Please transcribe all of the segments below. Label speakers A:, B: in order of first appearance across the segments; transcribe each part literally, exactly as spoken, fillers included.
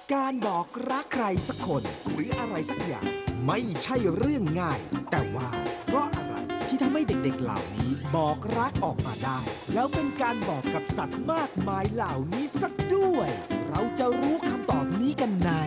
A: การบอกรักใครสักคนหรืออะไรสักอย่างไม่ใช่เรื่องง่ายแต่ว่าเพราะอะไรที่ทำให้เด็กๆเหล่านี้บอกรักออกมาได้แล้วเป็นการบอกกับสัตว์มากมายเหล่านี้สักด้วยเราจะรู้คำตอบนี้กันใน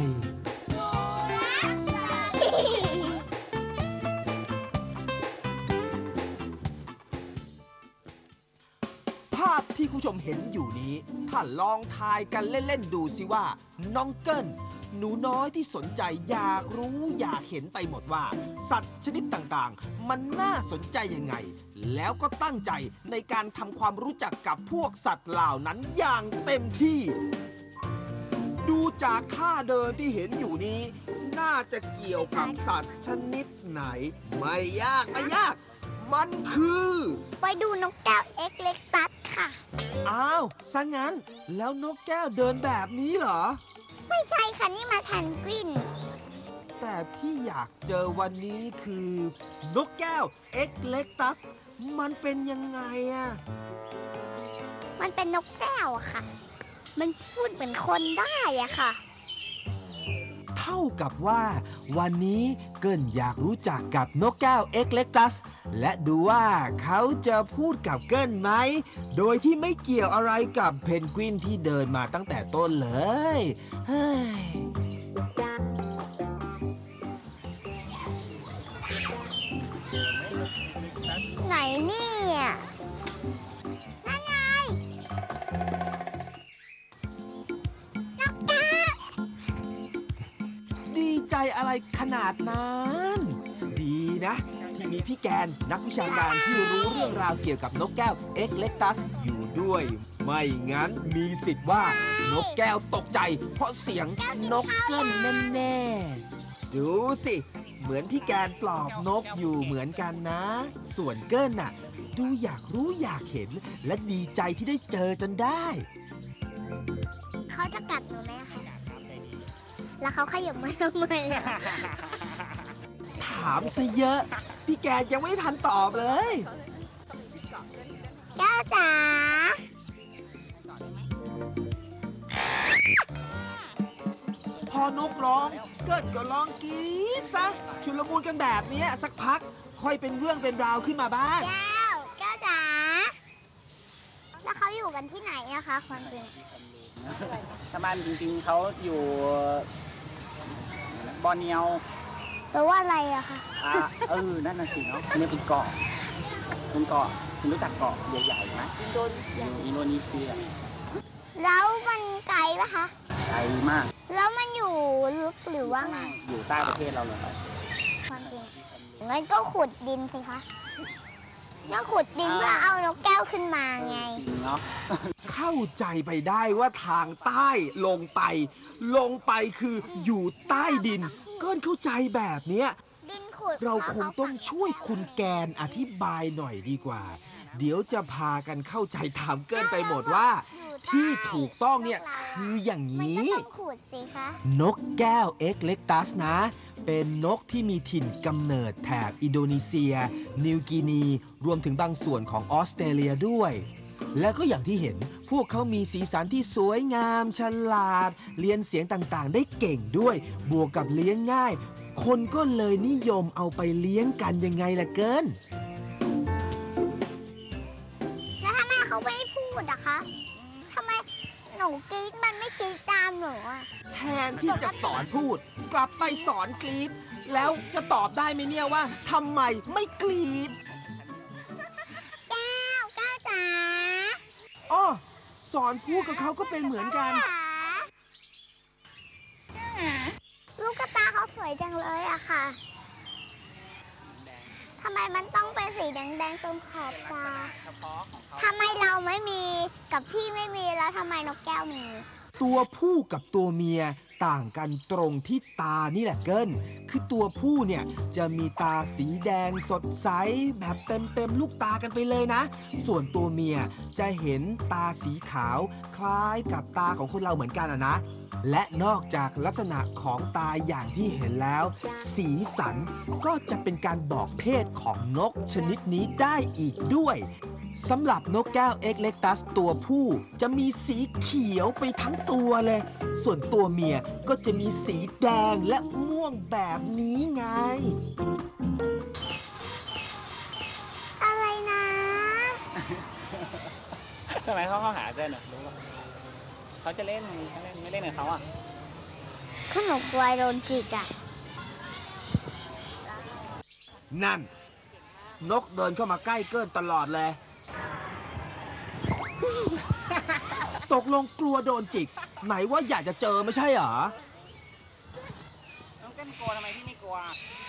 A: ภาพที่คุณผู้ชมเห็นอยู่นี้ถ้าลองทายกันเล่นๆดูสิว่าน้องเกิ้ลหนูน้อยที่สนใจอยากรู้อยากเห็นไปหมดว่าสัตว์ชนิดต่างๆมันน่าสนใจยังไงแล้วก็ตั้งใจในการทำความรู้จักกับพวกสัตว์เหล่านั้นอย่างเต็มที่ดูจากท่าเดินที่เห็นอยู่นี้น่าจะเกี่ยวกับสัตว์ชนิดไหนไม่ยากไม่ยากมันคือ
B: ไปดูนกแก้วเอ็กเล็กตัสค่ะ
A: อ้าวซะงั้นแล้วนกแก้วเดินแบบนี้เหรอ
B: ไม่ใช่ค่ะนี่มาแพนกวิน
A: แต่ที่อยากเจอวันนี้คือนกแก้วเอ็กเล็กตัสมันเป็นยังไงอะ
B: มันเป็นนกแก้วอะค่ะมันพูดเหมือนคนได้อะค่ะ
A: เท่ากับว่าวันนี้เกิ้ลอยากรู้จักกับนกแก้วเอ็กเล็กตัสและดูว่าเขาจะพูดกับเกิ้ลไหมโดยที่ไม่เกี่ยวอะไรกับเพนกวินที่เดินมาตั้งแต่ต้นเลยเฮ้ย
B: ไหนเนี่ยนั่นไงนกแก้ว
A: ดีใจอะไรขนาดนั้นดีนะที่มีพี่แกนนักวิชาการที่รู้เรื่องราวเกี่ยวกับนกแก้วเอ็กเล็กตัสอยู่ด้วยไม่งั้นมีสิทธิ์ว่านกแก้วตกใจเพราะเสียงนกเกิ้ลแน่ๆดูสิเหมือนพี่แกนปลอบนกอยู่เหมือนกันนะส่วนเกิ้ลน่ะดูอยากรู้อยากเห็นและดีใจที่ได้เจอจนได้
B: เขาจะกัดหนูไหมคะแล้วเขาขยับมาทำไมอะ
A: ถามซะเยอะพี่แกยังไม่ทันตอบเลย
B: แก้วจ๋า
A: พอนกร้องเกิดก็ร้องกรี๊ดซะชุลมุนกันแบบนี้สักพักค่อยเป็นเรื่องเป็นราวขึ้นมาบ้าง
B: แก้วแก้วจ๋าแล้วเขาอยู่กันที่ไหนอะคะความจริง
C: ชาวบ้านจริงๆเขาอยู่บอร์เนียว
B: แปลว่าอะไรอะคะ
C: อ่าเออนั่นน่ะสิเนาะนี่เป็นเกาะเป็นเกาะคุณรู้จักเกาะใหญ่ๆไหมอินโดนีเซียอินโดนีเซีย
B: แล้วมันไกลปะคะ
C: ไกลมาก
B: แล้วมันอยู่ลึกหรือว่าไง
C: อยู่ใต้ประเทศเราเลย
B: ความจริงงั้นก็ขุดดินสิคะก็ขุดดินเพื่อเอานกแก้วขึ้นมาไง
C: เนาะ
A: เข้าใจไปได้ว่าทางใต้ลงไปลงไปคืออยู่ใต้ดินก็เข้าใจแบบเนี้ยเราคงต้องช่วยคุณแกนอธิบายหน่อยดีกว่าเดี๋ยวจะพากันเข้าใจตามเกินไปหมดว่าที่ถูกต้องเนี่ยคืออย่างนี้นกแก้วเอ็กเล็กตัสนะเป็นนกที่มีถิ่นกำเนิดแถบอินโดนีเซียนิวกินีรวมถึงบางส่วนของออสเตรเลียด้วยและก็อย่างที่เห็นพวกเขามีสีสันที่สวยงามฉลาดเรียนเสียงต่างๆได้เก่งด้วยบวกกับเลี้ยงง่ายคนก็เลยนิยมเอาไปเลี้ยงกันยังไงล่ะเกิน
B: แล้วทำไมเขาไม่พูดอะคะทำไมหนูกรี๊ดมันไม่กรี๊ดตามหนูอะ
A: แทนที่จะสอนพูดกลับไปสอนกรี๊ดแล้วจะตอบได้ไหมเนี่ยว่าทำไมไม่กรี๊ด
B: แก้วแก้วจ๋า
A: อ้อสอนพูดกับเขาก็เป็นเหมือนกัน
B: ลูกกระตาเขาสวยจังเลยอะค่ะทำไมมันต้องเป็นสีแดงๆตรงขอบตาทำไมเราไม่มีกับพี่ไม่มีแล้วทำไมนกแก้วมี
A: ตัวผู้กับตัวเมียต่างกันตรงที่ตานี่แหละเกินคือตัวผู้เนี่ยจะมีตาสีแดงสดใสแบบเต็มๆลูกตากันไปเลยนะส่วนตัวเมียจะเห็นตาสีขาวคล้ายกับตาของคนเราเหมือนกันอะนะและนอกจากลักษณะของตาอย่างที่เห็นแล้วสีสันก็จะเป็นการบอกเพศของนกชนิดนี้ได้อีกด้วยสำหรับนกแก้วเอ็กเล็กตัสตัวผู้จะมีสีเขียวไปทั้งตัวเลย ส่วนตัวเมียก็จะมีสีแดงและม่วงแบบนี้ไง
B: อะไรนะ
C: ทำไมเขาเข้าหาเต้นอ่ะรู้ป่ะเขาจะเล่นเขาเล่นไม่เล่นกับเขาอ่ะ
B: ขนมกล้วยโดนจิกอ่ะ
A: นั่น นกเดินเข้ามาใกล้เกินตลอดเลย ตกลงกลัวโดนจิก ไหนว่าอยากจะเจอไม่ใช่เหรอ
C: น้องเต้นกลัวทำไมพี่ไม่กลัว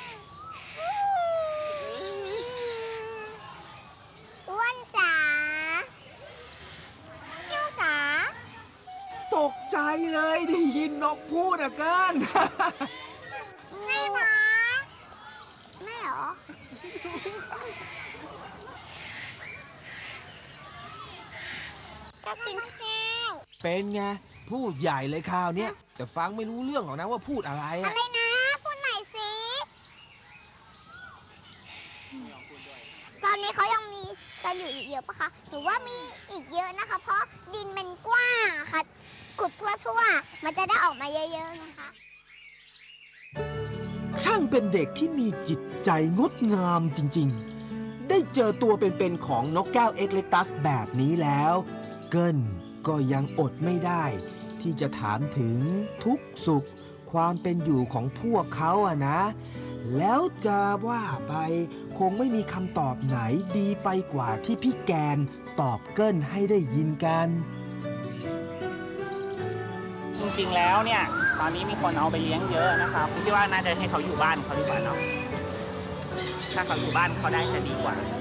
B: อ้วนจ๋าเจ้าจ๋า
A: ตกใจเลยได้ยินนกพูดอะเกิน
B: ไม่หรอไม่หรอจะกินข้าว
A: เป็นไง พูดใหญ่เลยคราวเนี้ยแต่ฟังไม่รู้เรื่องหรอกนะว่าพูดอะไร
B: อะ
A: อะ
B: ไรนะ พูดหน่อยสิ ตอนนี้เขายังมีกันอยู่อีกเยอะปะคะ หรือว่ามีอีกเยอะนะคะ เพราะดินมันกว้างอะค่ะ ขุดทั่วๆ มันจะได้ออกมาเยอะๆนะคะ
A: ช่างเป็นเด็กที่มีจิตใจงดงามจริงๆ ได้เจอตัวเป็นๆของนกแก้วเอ็กเล็กตัสแบบนี้แล้ว เกิลก็ยังอดไม่ได้ ที่จะถามถึงทุกสุขความเป็นอยู่ของพวกเขาอะนะ แล้วจะว่าไปคงไม่มีคำตอบไหนดีไปกว่าที่พี่แกนตอบเกิลให้ได้ยินกัน
C: จริงๆแล้วเนี่ย ตอนนี้มีคนเอาไปเลี้ยงเยอะนะครับคิดว่าน่าจะให้เขาอยู่บ้านเขาดีกว่าเนาะถ้าเขาอยู่บ้านเขาได้จะดีกว่า